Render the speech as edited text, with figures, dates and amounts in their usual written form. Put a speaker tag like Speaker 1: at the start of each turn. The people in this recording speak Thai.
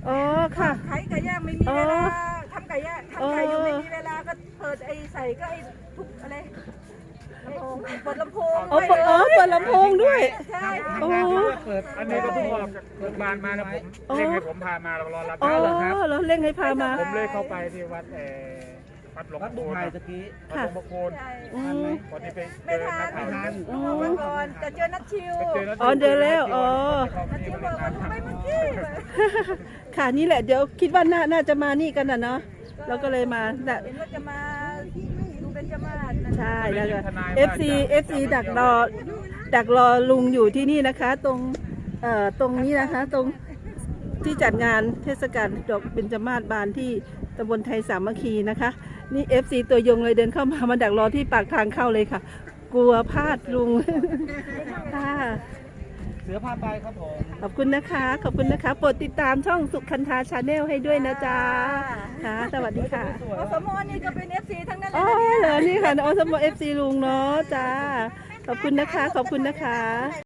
Speaker 1: อ๋อค่ะ
Speaker 2: ขายไก่ย่างไม่มีเวลาทำไก่ย่างทำไก่อยู่ไม่มีเวลาก็เปิดไอ้ใส่ก็ไอ้ทุกอะไรเปิดลำโพง
Speaker 1: อ๋อเปิดลำโพงด้วย
Speaker 2: ใช่
Speaker 1: โอ้
Speaker 3: เปิดอันนี้ก็เพิ่งออกจากโรงพยาบาลมานะผมเร่งให้ผมพามาเรารอรับ
Speaker 1: อ๋อ
Speaker 3: เหรอครับ
Speaker 1: แล้วเร่งให้พามา
Speaker 3: ผมเลยเข้าไปที่วัดวัดหลวง
Speaker 4: วัด
Speaker 3: พ่
Speaker 4: บุ
Speaker 3: อ
Speaker 4: ญ
Speaker 3: โคน
Speaker 4: ไทยตะกี้
Speaker 3: วัดหลวงพ่อโคน
Speaker 2: ใช่
Speaker 1: อืม
Speaker 3: วันนี้ไปเจ
Speaker 2: ไม่
Speaker 3: อ
Speaker 2: ทั
Speaker 3: นั
Speaker 2: น
Speaker 3: กข่าว
Speaker 2: ออกมาก่อนแต่เจอนัดชิว
Speaker 3: ไปเจอนัก
Speaker 1: อ๋อเจอแล้วอ๋อ
Speaker 2: นัดชิวบอกว่าไปเมื่อกี้
Speaker 1: ค่ะนี่แหละเดี๋ยวคิดว่าน่าจะมานี่กันนะเนาะเราก็เลยมาแต่
Speaker 2: เห็นว่าจะมาดูเป็นจมาศนะ
Speaker 1: ใช่แล้วก็ FC ดักรอลุงอยู่ที่นี่นะคะ ตรงนี้นะคะ ตรงที่จัดงานเทศกาลดอกเบญจมาศบานที่ตำบลไทยสามัคคีนะคะ นี่ FC ตัวยงเลยเดินเข้ามาดักรอที่ปากทางเข้าเลยค่ะ กลัวพลาดลุง ค่ะ
Speaker 4: เสือผ้าใบครับผม
Speaker 1: ขอบคุณนะคะขอบคุณนะคะโปรดติดตามช่องสุขันธาชาแนลให้ด้วยนะจ๊ะค่ะสวัสดีค่ะ
Speaker 2: อสมนี่ก็เป็น FC ทั้งนั้นเล
Speaker 1: อ๋
Speaker 2: ย
Speaker 1: อ
Speaker 2: นะเนี่ย
Speaker 1: เหรอนี่ค่ะอสม FC ลุงเนาะจ้าขอบคุณนะคะขอบคุณนะคะ